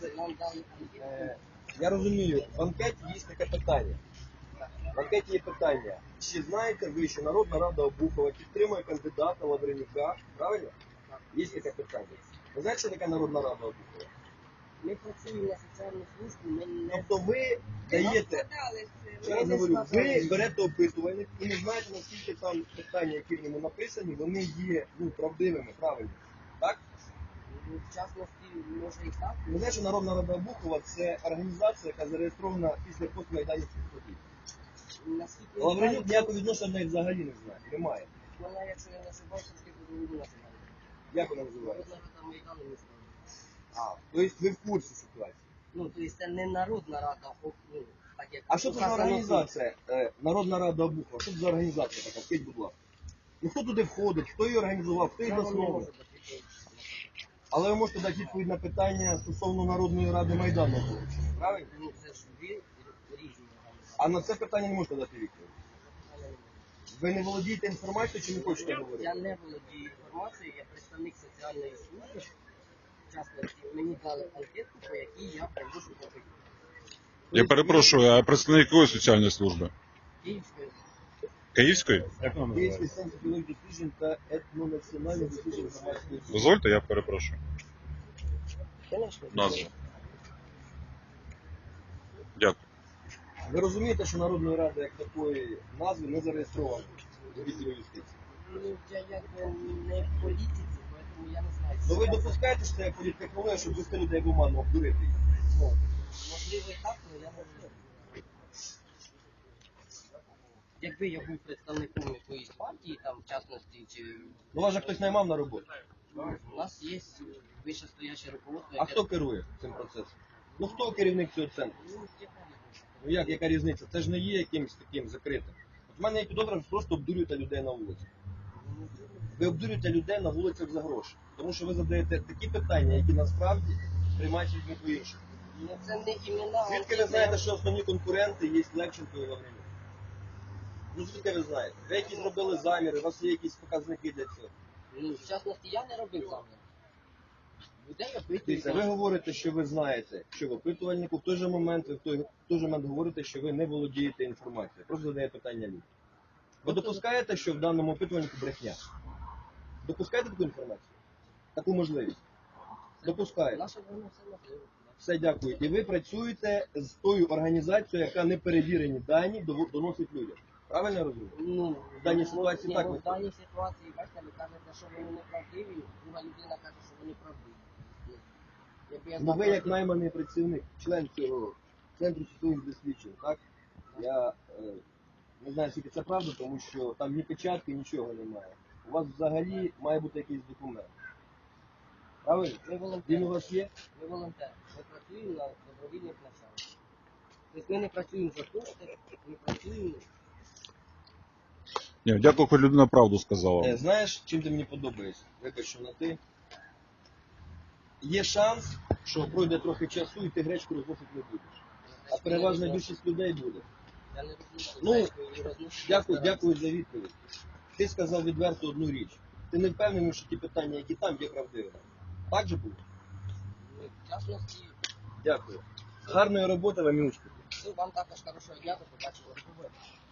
Нам дали анкету. Я розумію, в анкеті є таке питання. В анкеті є питання. Чи знаєте ви, що Народна Рада Обухова підтримує кандидата Лавренюка? Правильно? Є таке питання. Ви знаєте, що таке Народна Рада Обухова? Ми працюємо на соціальну службу, ми не... Тобто ви даєте, ще раз говорю, ви берете опитувальник і не знаєте, наскільки там питання, які в ньому написані, вони є правдивими, правильно. Так? Ну, в частності, може і так. Ви знаєте, що Народна Рада Обухова – це організація, яка зареєстрована після постмайданівських подій. Наскільки Лавренюк ніякого відношення навіть взагалі не знає, немає. вона, якщо я не ошибаюся, тільки буде національна. Як вона називається? Народна Рада Майдану не знаю. Тобто ви в курсі ситуації. Ну, тобто це не Народна Рада, так як... А що це за указано організація, Народна Рада Обухова? Що це за організація така? Скажіть, будь ласка. Ну хто туди входить, хто її організував, хто її тут. Вона не засновував? може бути. Але ви можете дати відповідь на питання стосовно Народної Ради Майдану. Правильно? Ну, це ж дві різні організації. А на це питання не можете дати відповідь. Ви не володієте інформацією чи не хочете говорити? Я не володію інформацією, я представник соціальної служби. В частності, мені дали анкетку, по якій я привожу попит. Я перепрошую, а представник якої соціальної служби? Київської. Київської? Як вона Київський називається? центр біологічних досліджень та етнонаціональних досліджень громадської. Дозвольте, я перепрошую. Звісно. Назву. Дякую. Ви розумієте, що Народної Ради як такої назви не зареєстровано у відділі юстиції? Ну, я якби не в політиці, тому я не знаю. Ну ви допускаєте, що це політтехнологія, щоб вести людей в оману, обдурити їх? Ну, Можливо і так, але я не знаю. Якби я був представником якоїсь партії, там, в частності, чи... ну вас же хтось наймав на роботу. У нас є вищестояще руководство, А хто керує цим процесом? Ну хто керівник цього центру? Ну, яка різниця? Ну яка різниця? Це ж не є якимось таким закритим. От в мене є підозра, що просто обдурюєте людей на вулиці. Ви обдурюєте людей на вулицях за гроші. Тому що ви задаєте такі питання, які насправді приймають людьми по-іншому. Ну, це не імена. Звідки ви знаєте, що основні конкуренти є Левченко і Лавренюк? Ну звідки ви знаєте? Ви якісь зробили заміри, у вас є якісь показники для цього. Ну, в частності, я не робив замір. Людей Дивіться, ви опитують. говорите, що ви знаєте, що в опитувальнику, в той же момент ви в той же момент говорите, що ви не володієте інформацією. Просто задає питання людям. Ви допускаєте, що в даному опитувальнику брехня? Допускаєте таку інформацію? Таку можливість? Допускаєте. Наше воно все можливо. Все, дякую. І ви працюєте з тою організацією, яка неперевірені дані доносить людям. Правильно я розумію? Ну, В даній ситуації ні, так ну, в виходить. даній ситуації, бачите, ви кажете, що вони неправдиві, друга людина каже, що вони правдиві. Ну, якби я Ну знав, ви як що- найманий працівник, член цього центру соціальних досліджень, так? Я не знаю, скільки це правда, тому що там ні печатки, нічого немає. У вас взагалі має бути якийсь документ. Правильно? Ми Він у волонтери. вас є? Ми волонтери. Ми працюємо на добровільних началах. Тобто ми не працюємо за кошти, ми працюємо. Ні, дякую, хоч людина правду сказала. Знаєш, чим ти мені подобаєшся? Вибач, що на ти. Є шанс, що пройде трохи часу і ти гречку розносити не будеш. А переважна більшість людей буде. Я не розумію, Ну, і розношу. Дякую за відповідь. Ти сказав відверто одну річ. Ти не впевнений, що ті питання, які там, є правдивими. Так же було? Ну, в частності, Дякую. Гарної роботи вам і успіху. вам також хорошого дня, до побачення.